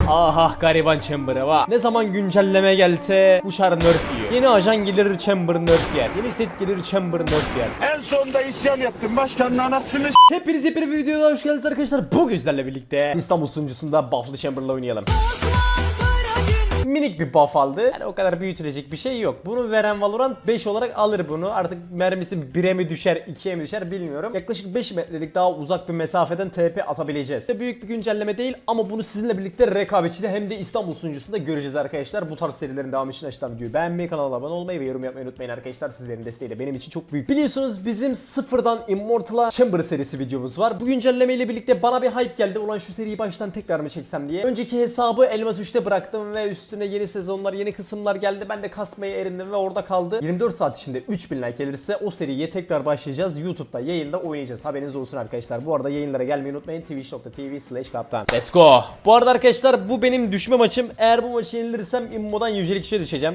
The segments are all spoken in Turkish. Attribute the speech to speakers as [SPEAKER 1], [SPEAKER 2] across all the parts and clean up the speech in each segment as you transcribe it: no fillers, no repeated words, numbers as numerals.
[SPEAKER 1] Aha gariban Chamber'a bak. Ne zaman güncelleme gelse bu şar nerf yiyor. Yeni ajan gelir Chamber nerf yer. Yeni set gelir Chamber nerf yer.
[SPEAKER 2] En sonunda isyan yaptım. Başkanın anasını
[SPEAKER 1] Hepiniz bir videoda hoş geldiniz arkadaşlar. Bugün sizlerle birlikte İstanbul sunucusunda buff'lı Chamber'la oynayalım. Minik bir buff aldı. Yani o kadar büyütülecek bir şey yok. Bunu veren Valorant 5 olarak alır bunu. Artık mermisi 1'e mi düşer, 2'ye mi düşer bilmiyorum. Yaklaşık 5 metrelik daha uzak bir mesafeden TP atabileceğiz. Büyük bir güncelleme değil ama bunu sizinle birlikte rekabetçide hem de İstanbul sunucusunda göreceğiz arkadaşlar. Bu tarz serilerin devamı için aşağıdan videoyu beğenmeyi, kanala abone olmayı ve yorum yapmayı unutmayın arkadaşlar. Sizlerin desteği de benim için çok büyük. Biliyorsunuz bizim sıfırdan Immortal'a Chamber serisi videomuz var. Bu güncelleme ile birlikte bana bir hype geldi. Ulan şu seriyi baştan tekrar mı çeksem diye. Önceki hesabı Elmas 3'te bıraktım ve üstüne yeni sezonlar, yeni kısımlar geldi. Ben de kasmaya erindim ve orada kaldı. 24 saat içinde 3000 like gelirse o seriye tekrar başlayacağız. YouTube'da yayında oynayacağız. Haberiniz olsun arkadaşlar. Bu arada yayınlara gelmeyi unutmayın. twitch.tv/kaptan. Let's go. Bu arada arkadaşlar bu benim düşme maçım. Eğer bu maçı yenilirsem immodan yücelik 3'e düşeceğim.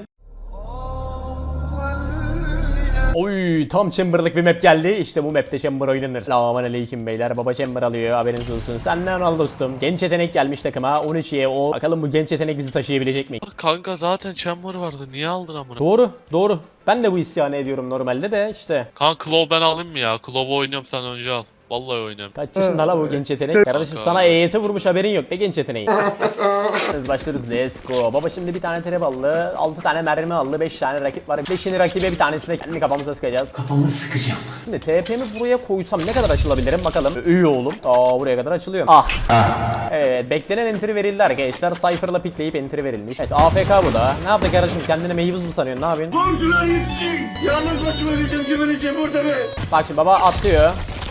[SPEAKER 1] Oy tam Chamber'lık bir map geldi. İşte bu map'te Chamber oynanır. Selamünaleyküm beyler. Baba Chamber alıyor. Haberiniz olsun. Senden al dostum. Genç yetenek gelmiş takıma. 13'ye o. Bakalım bu genç yetenek bizi taşıyabilecek mi?
[SPEAKER 3] Kanka zaten Chamber vardı. Niye aldın amına?
[SPEAKER 1] Doğru. Ben de bu isyanı ediyorum normalde de işte.
[SPEAKER 3] Kanka Claw ben alayım mı ya? Claw'u oynuyorum sen önce al. Vallahi oynuyorum.
[SPEAKER 1] Kaç yaşında la bu genç yetenek? Kardeşim sana EYT vurmuş haberin yok. Ne genç yeteneği? Biz başlıyoruz. Let's go. Baba şimdi bir tane trap aldı. 6 tane mermi aldı. 5 tane rakip var. 5'ini rakibe bir tanesine kendi kafamıza sıkacağız. Kafamı sıkacağım. Şimdi TP'mi buraya koysam ne kadar açılabilirim bakalım. İyi oğlum. Buraya kadar açılıyor. Evet beklenen entry verildi arkadaşlar. Cypher'la pikleyip entry verilmiş. Evet AFK bu da. Ne yaptı kardeşim? Kendine meyvuz mu sanıyorsun? Ne yapıyorsun?
[SPEAKER 2] Borcular yetişin. Yalnız başıma güveneceğim burada be.
[SPEAKER 1] Bak şimdi baba atlıyor.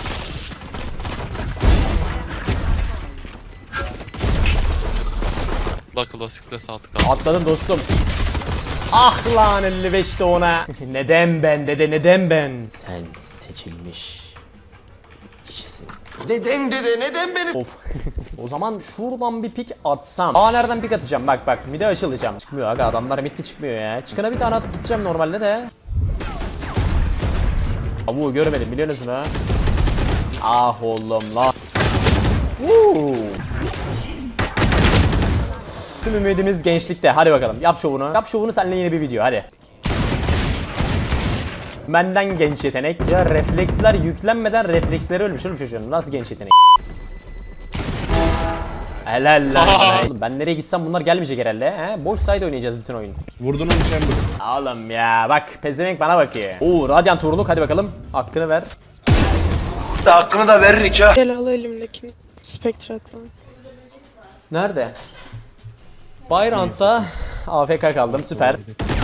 [SPEAKER 3] La klasikle saatlik
[SPEAKER 1] Atladın dostum. Ah lan 55'te ona. Neden ben dede neden ben? Sen seçilmiş kişisin.
[SPEAKER 2] Neden dede neden beni?
[SPEAKER 1] Of. O zaman şuradan bir pik atsam. Nereden pik atacağım? Bak mide açılacağım. Çıkmıyor aga adamlar midde çıkmıyor ya. Çıkana bir tane atıp gideceğim normalde de. Bu görmedim biliyorsunuz ha. Ah oğlum la. Tüm ümidimiz gençlikte. Hadi bakalım. Yap şovunu. Yap şovunu seninle yeni bir video. Hadi. Benden genç yetenek. Ya refleksler yüklenmeden refleksleri ölmüş oğlum çocuğun. Nasıl genç yetenek? Helal lan. Oğlum ben nereye gitsem bunlar gelmeyecek herhalde. He? Boş side oynayacağız bütün oyun.
[SPEAKER 2] Vurdun onu Chamber.
[SPEAKER 1] Oğlum ya bak pezevenk bana bakıyor. Radiant vuruluk hadi bakalım. Hakkını ver.
[SPEAKER 2] Hakkını da veririk ha.
[SPEAKER 4] Gel al elimdekini. Spectre'dan.
[SPEAKER 1] Nerede? Bayrant'ta AFK kaldım süper.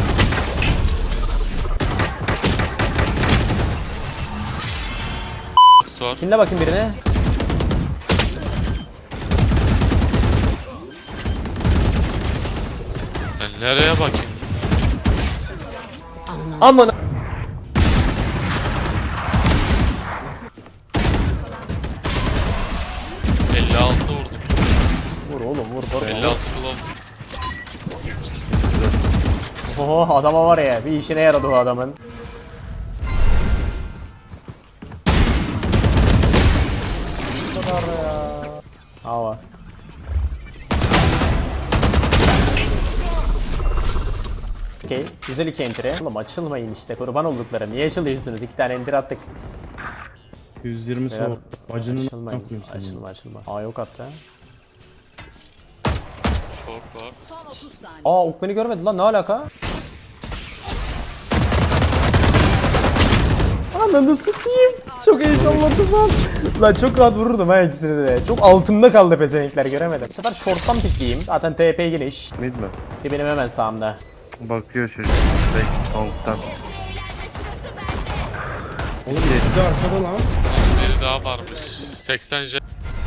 [SPEAKER 3] var.
[SPEAKER 1] Dinle bakayım birine.
[SPEAKER 3] Ben nereye bakayım?
[SPEAKER 1] Aman.
[SPEAKER 3] Vurdum.
[SPEAKER 1] Vur oğlum vur.
[SPEAKER 3] 56 Claw.
[SPEAKER 1] Oho adama var ya bir işine yaradı o adamın. Bu kadar ya. Hava. Okey. Güzel iki entry. Oğlum açılmayın işte kurban oldukları. Niye açılıyorsunuz? 2 tane entry attık.
[SPEAKER 5] 120
[SPEAKER 1] Beyler,
[SPEAKER 5] soğuk. Bacının
[SPEAKER 1] açılmayın.
[SPEAKER 5] yapmayayım seni.
[SPEAKER 1] Açılma. Yok hatta.
[SPEAKER 3] Short var.
[SPEAKER 1] Ok beni görmedi lan ne alaka? Ananı satayım. Çok heyecanlandım lan. Lan çok rahat vururdum ha ikisini de. Çok altımda kaldı pezevenkler göremedim. Bu sefer short'tan pikleyeyim. Zaten TP geniş.
[SPEAKER 5] Mid mi?
[SPEAKER 1] Bir benim hemen sağımda.
[SPEAKER 5] Bakıyor çocuk. Bek tavuktan. Oğlum eski arkada lan.
[SPEAKER 3] Biri daha varmış. 80 J.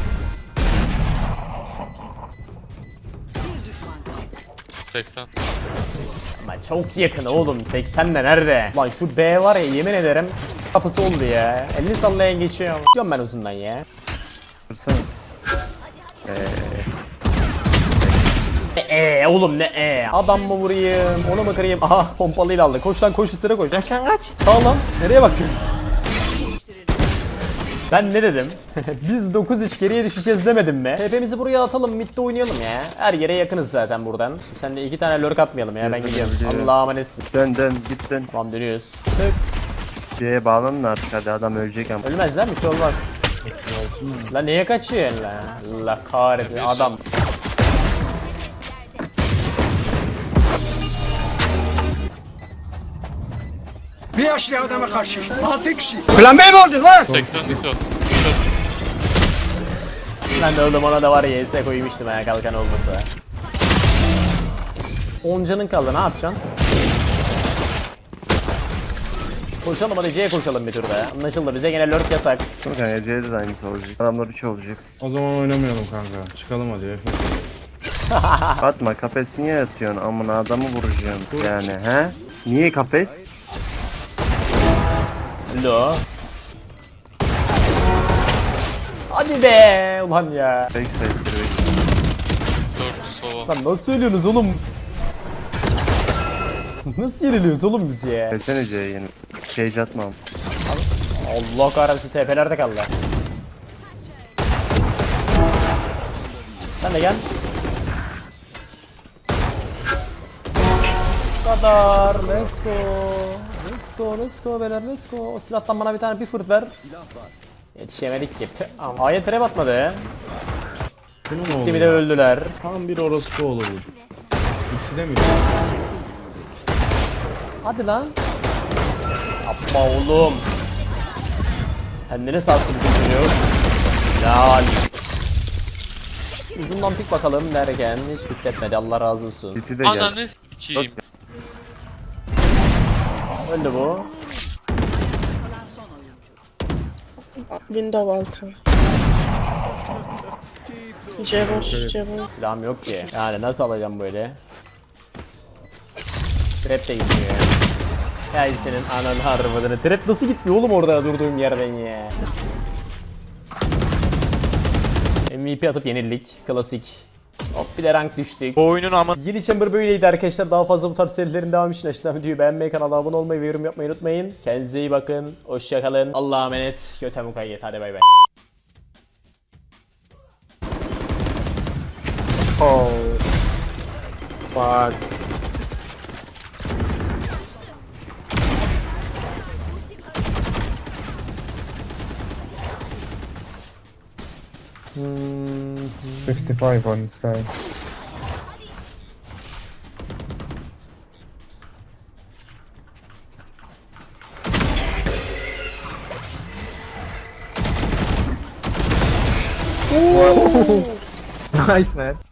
[SPEAKER 3] ...80.
[SPEAKER 1] Ama çok yakın oğlum 80 de nerede? Lan şu B var ya yemin ederim kapısı oldu ya. 50 sallayan geçiyor. Gidiyorum ben uzundan ya.
[SPEAKER 5] Vursana.
[SPEAKER 1] Oğlum ne adam mı vurayım onu mu kırayım? Aha pompalıyla aldı. Koş lan koş üstüne koş. Aşağı kaç. Sağ lan nereye bakıyorsun? Ben ne dedim? Biz 9-3 geriye düşeceğiz demedim mi? Hepimizi buraya atalım, midde oynayalım ya. Her yere yakınız zaten buradan. Sen de 2 tane lurk atmayalım ya, ben gidiyorum.
[SPEAKER 5] Biliyorum.
[SPEAKER 1] Allah'a emanetsin.
[SPEAKER 5] Dön git dön.
[SPEAKER 1] Tamam, dönüyoruz. Tık.
[SPEAKER 5] C'ye bağlanın artık, hadi adam ölecek ama.
[SPEAKER 1] Ölmez lan, bir şey olmaz. Lan neye kaçıyorsun lan? Allah kahretsin
[SPEAKER 3] Yapıyorsun.
[SPEAKER 1] adam.
[SPEAKER 2] Bir yaşlı adama karşı 6 kişi. Plan B mi oldun lan?
[SPEAKER 3] 80 düşüyor.
[SPEAKER 1] Ben de oğlum ona da var ya ES koymuştum ya, kalkan olmasa. 10 canın kaldı, ne yapacaksın? Koşalım hadi, C'ye koşalım bir turda ya. Anlaşıldı, bize gene lurk yasak.
[SPEAKER 5] Dur kanka, C'de de aynısı olacak. Adamlar 3 olacak.
[SPEAKER 6] O zaman oynamayalım kanka. Çıkalım hadi.
[SPEAKER 5] Atma, kafes niye atıyorsun? Amına adamı vuracaksın yani, he? Niye kafes?
[SPEAKER 1] Lo. Hadi be ulan ya.
[SPEAKER 5] Fake sayıdır.
[SPEAKER 3] 4 sova.
[SPEAKER 1] Lan nasıl söylüyorsunuz oğlum? Nasıl yeniliyoruz oğlum biz ya?
[SPEAKER 5] Desene C'ye yeni. Cage atmam.
[SPEAKER 1] Allah kahretsin, TP'lerde kaldı. Sen de gel. Bu kadar. Let's go. Let's go, let's go beyler, let's go. O silahtan bana bir tane bir fırt ver. Yetişemedik ki. A'ya trap atmadı ya.
[SPEAKER 6] Bunun ne oldu
[SPEAKER 1] Kimi de
[SPEAKER 6] ya?
[SPEAKER 1] öldüler.
[SPEAKER 6] Tam bir orospu oğlu bu. İkisi de mi?
[SPEAKER 1] Hadi lan. Yapma oğlum. Kendini sarsın bizim çocuk. Helal. Uzundan pik bakalım derken hiç pikletmedi, Allah razı olsun.
[SPEAKER 5] City de gel.
[SPEAKER 3] Ananı s**eyim.
[SPEAKER 1] Öldü bu.
[SPEAKER 4] Window altı. C boş, C boş.
[SPEAKER 1] Silahım yok ki. Yani nasıl alacağım böyle? Trap de gitmiyor ya. Ya senin anan harbadını. Trap nasıl gitmiyor oğlum orada durduğum yerden ya. MVP atıp yenildik. Klasik. Hop bir de rank düştük.
[SPEAKER 7] Bu oyunun ama
[SPEAKER 1] Yeni Chamber böyleydi arkadaşlar. Daha fazla bu tarz serilerin devamı için aşağıdan videoyu beğenmeyi, kanala abone olmayı ve yorum yapmayı unutmayın. Kendinize iyi bakın. Hoşçakalın. Allah'a emanet. Göte mukayyet. Hadi bay bay. Oh. Fuck. Hmm.
[SPEAKER 8] 55 on Sky. Nice man.